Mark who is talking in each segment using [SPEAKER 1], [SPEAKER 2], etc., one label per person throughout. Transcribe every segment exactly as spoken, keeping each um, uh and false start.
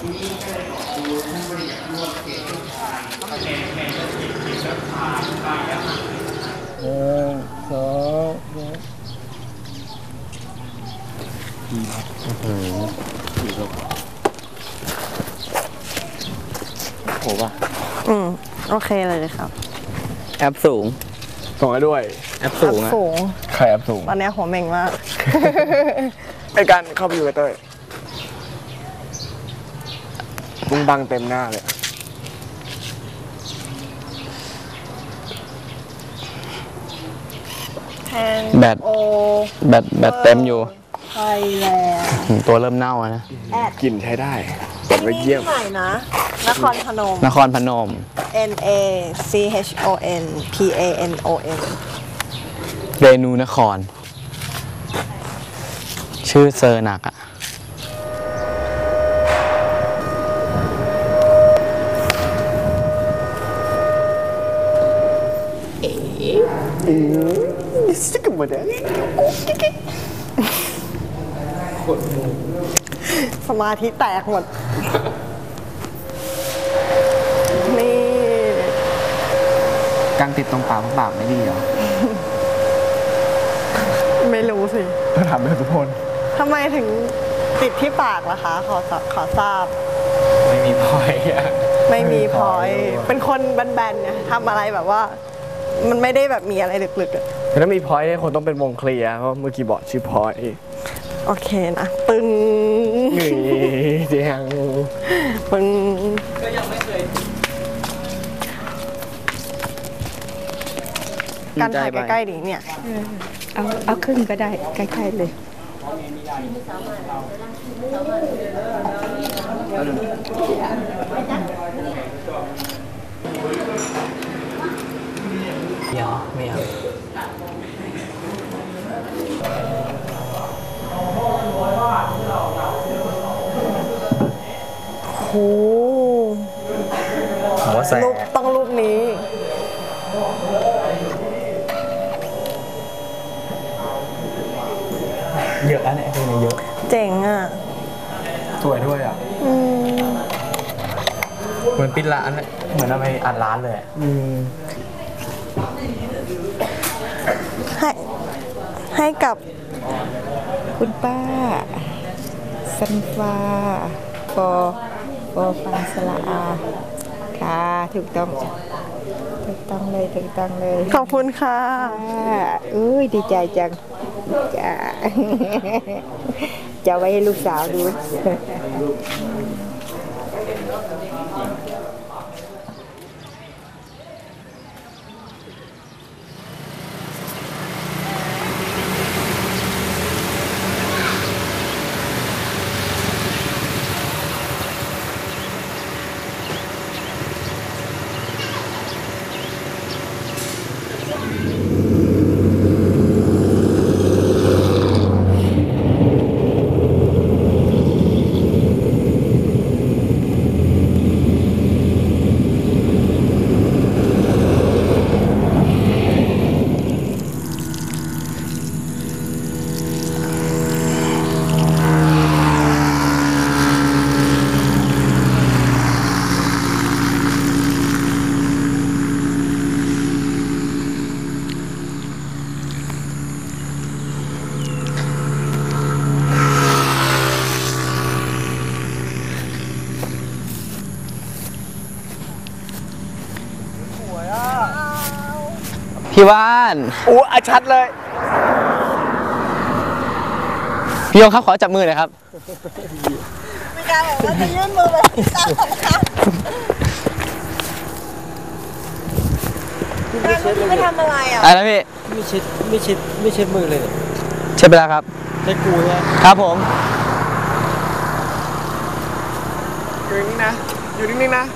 [SPEAKER 1] เออสองดีมากอือดีลูกโหป่ะ
[SPEAKER 2] อืมโอเคเลยครับ
[SPEAKER 1] แอปสูงส่งให้ด้วยแอปสูงอะใครแอปสูง
[SPEAKER 2] ตอนนี้หัวเม่งมาก
[SPEAKER 1] ไอ้การเข้าไปอยู่กับเต้ยมึงบังเต็มหน้าเลยแบตแบตแบตเต็มอยู่
[SPEAKER 2] ใช่แล้ว
[SPEAKER 1] ตัวเริ่มเน่าแล้วนะกลิ่นใช้ได้แต่ไม่เยี่ยม
[SPEAKER 2] ที่ไหนนะนครพนม
[SPEAKER 1] นครพนม
[SPEAKER 2] N A C H O N P A N O M
[SPEAKER 1] เรนูนครชื่อเซอร์หนักอะสิกมาเด้
[SPEAKER 2] สมาธิแตกหมดนี่
[SPEAKER 1] กังติดตรงปากปากไม่ดีเหรอ
[SPEAKER 2] ไม่รู้สิ
[SPEAKER 1] ถามเลยทุกคน
[SPEAKER 2] ทำไมถึงติดที่ปากล่ะคะขอขอทราบ
[SPEAKER 1] ไม่มีพอย
[SPEAKER 2] ไม่มีพอยเป็นคนแบนๆเนี่ยทำอะไรแบบว่ามันไม่ได้แบบมีอะไรลึกๆอ่ะ
[SPEAKER 1] ถ้ามีพอยต์คนต้องเป็นวงเคลียร์เพราะเมื่อกี้บอกชื่อพอยต์
[SPEAKER 2] โอเคนะปึ้ง
[SPEAKER 1] นี่เจียง
[SPEAKER 2] ปึ้งก็ยังไม่เคยการถ่ายใกล้ๆดีเนี่ย
[SPEAKER 3] เอาเอาครึ่งก็ได้ใกล้ๆเลย
[SPEAKER 1] เดี๋ยวไม่เอา
[SPEAKER 2] โหรูปต้องรูปนี้
[SPEAKER 1] เยอะนะเนี่ยเพลงนี้เยอะ
[SPEAKER 2] เจ๋งอ่ะ
[SPEAKER 1] สวยด้วยอ่ะเหมือนปิดร้านเลยเหมือนเอาไปอัดร้านเลยอืม
[SPEAKER 2] ให้ให้กับ
[SPEAKER 3] คุณป้าสันฟ้าฟอฟอฟังสละอาค่ะถูกต้องถูกต้องเลยถูกต้องเลย
[SPEAKER 2] ขอบคุณค่ะ
[SPEAKER 3] อุ้ยดีใจจังจ้าจะไว้ให้ลูกสาวดู
[SPEAKER 1] พี่ว่านอู้อาชัดเลยพี่ยงครับขอจับมือหน่อยครับ
[SPEAKER 2] ไม่กล้าบอกว่าจะยื่นมือไปตามครับไม่ทำอะไรอ่ะ
[SPEAKER 1] อะไรนะพี่
[SPEAKER 4] ไม่เช็ดไม่เช็ดไม่เช็ดมือเลย
[SPEAKER 1] เช็ดไปแล้วครับ
[SPEAKER 4] ใช้กูใช่ไหม
[SPEAKER 1] ครับผมอยู่นิ่งนะอยู่นิ่งๆนะ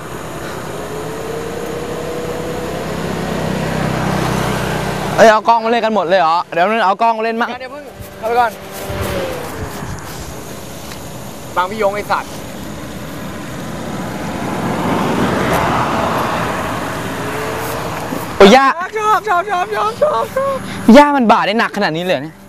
[SPEAKER 1] เอ้ยเอากล้องมาเล่นกันหมดเลยเหรอเดี๋ยวนึงเอากล้องมาเล่นมั่งเดี๋ยวเพิ่งเข้าไปก่อนบางพี่ยงไอสัตว์โอ้ยย่าชอบชอบชอบชอบชอบชอบย่ามันบาดได้หนักขนาดนี้เลยเนี่ย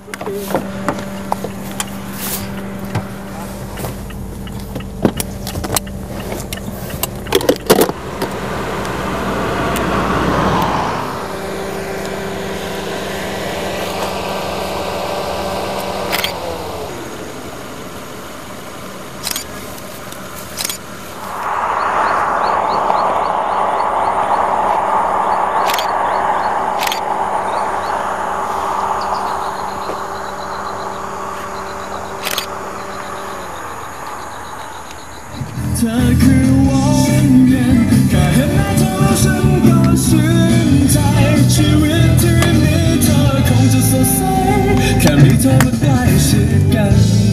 [SPEAKER 5] ธอคือวันเย็นแค่เห็นหน้าเธอฉันก็ชื่นใจชีวิตที่มีเธอคงจะสดใสแค่มีเธอมาใกล้ชิดกัน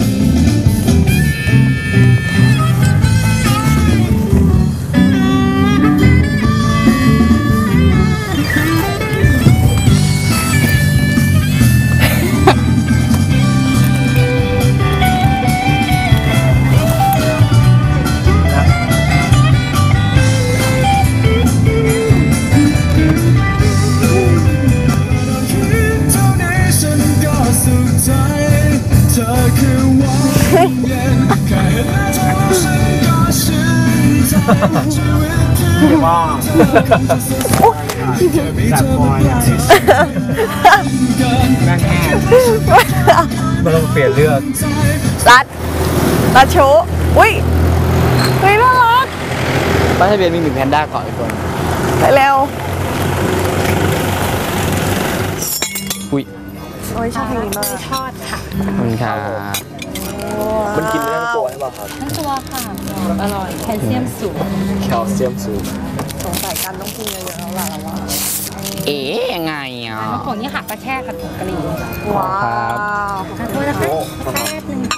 [SPEAKER 4] บ้าจากบอยแม่งแห้งมันต้องเปลี่ยนเลือก
[SPEAKER 2] รัดรัดโชว์อุ้ยเฮ้ยน่ารัก
[SPEAKER 1] ป้ายทะเบียนมีหนึ่งแพนด้าก่อนทุกคน
[SPEAKER 2] ไปเร็ว
[SPEAKER 1] อุ้ย
[SPEAKER 2] โอ้ยชอบเพลงนี้มากทอดค่ะ
[SPEAKER 1] ขอบคุณค่ะ
[SPEAKER 4] มันกินได้ทั้งตัวใช่ป่ะครับ
[SPEAKER 6] ทั้งตัวค่ะอร่อยแคลเซียมสูง
[SPEAKER 4] แคลเซียมสูง
[SPEAKER 2] สงสัยกันต้องกินเยอะๆแล้วล่ะเราว่า
[SPEAKER 1] เอ๊ะยังไงอ่ะ
[SPEAKER 6] ผงนี่ค่ะปลาแช่กับผงกะหรี่
[SPEAKER 2] ว้า
[SPEAKER 1] ครับ
[SPEAKER 2] ว
[SPEAKER 6] ขอโทษนะคะแป๊บนึง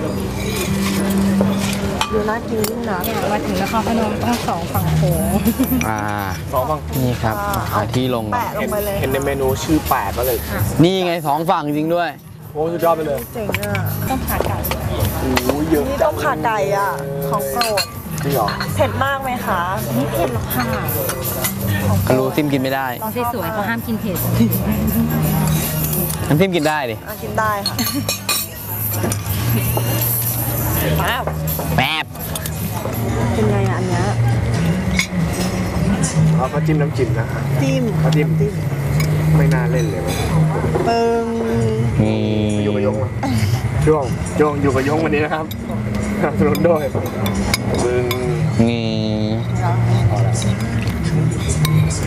[SPEAKER 2] ดูน่ากินยิ่งนะ
[SPEAKER 6] เนี่ยมาถึงนครพนมต้องสองฝั่งโขง
[SPEAKER 1] อ่า
[SPEAKER 4] สองฝั่ง
[SPEAKER 1] นี่ครับหาที่ลง
[SPEAKER 2] แปะลงไปเลย
[SPEAKER 4] เห็นในเมนูชื่อแปดก็เลย
[SPEAKER 1] นี่ไงสองฝั่งจริงด้วย
[SPEAKER 4] โอ้สุดยอดไปเลย
[SPEAKER 2] เจ๋งอ่ะ
[SPEAKER 6] ต้องขาไก่
[SPEAKER 4] โอ้เยอะ
[SPEAKER 2] นี่ต้มข่าไก่อ่ะ ของโปรด
[SPEAKER 4] จริงเหรอ
[SPEAKER 2] เผ็ดมากไหมคะ
[SPEAKER 6] ไม่เผ็ดหรอกค่ะ
[SPEAKER 1] รู้ซิมกินไม่ได้
[SPEAKER 6] ตอนสวยๆเขาห้ามกินเผ็ด
[SPEAKER 1] น้ำซิมกินได้ดิ
[SPEAKER 2] อ่ะกินได้ค่ะว้าว
[SPEAKER 1] แป๊บ
[SPEAKER 2] เป็นไงอ่ะอันเนี้ย
[SPEAKER 4] เอาเขาจิ้มน้ำจิ้มนะ
[SPEAKER 2] จิ้ม
[SPEAKER 4] เขาจิ้มไม่น่าเล่นเลยมั้ย
[SPEAKER 2] ปึ้ง
[SPEAKER 1] นี่
[SPEAKER 4] อยู่กับยงมาช่วงช่วงอยู่กับยงวันนี้นะครับสนับสนุนด้วยมึง
[SPEAKER 1] นี่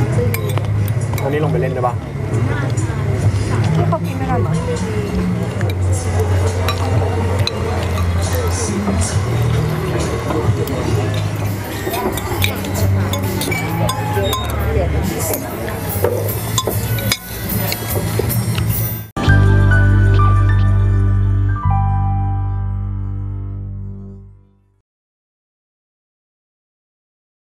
[SPEAKER 4] วันนี้ลงไปเล่นได้ปะ
[SPEAKER 2] ที่เขากินไม่ได้หรอ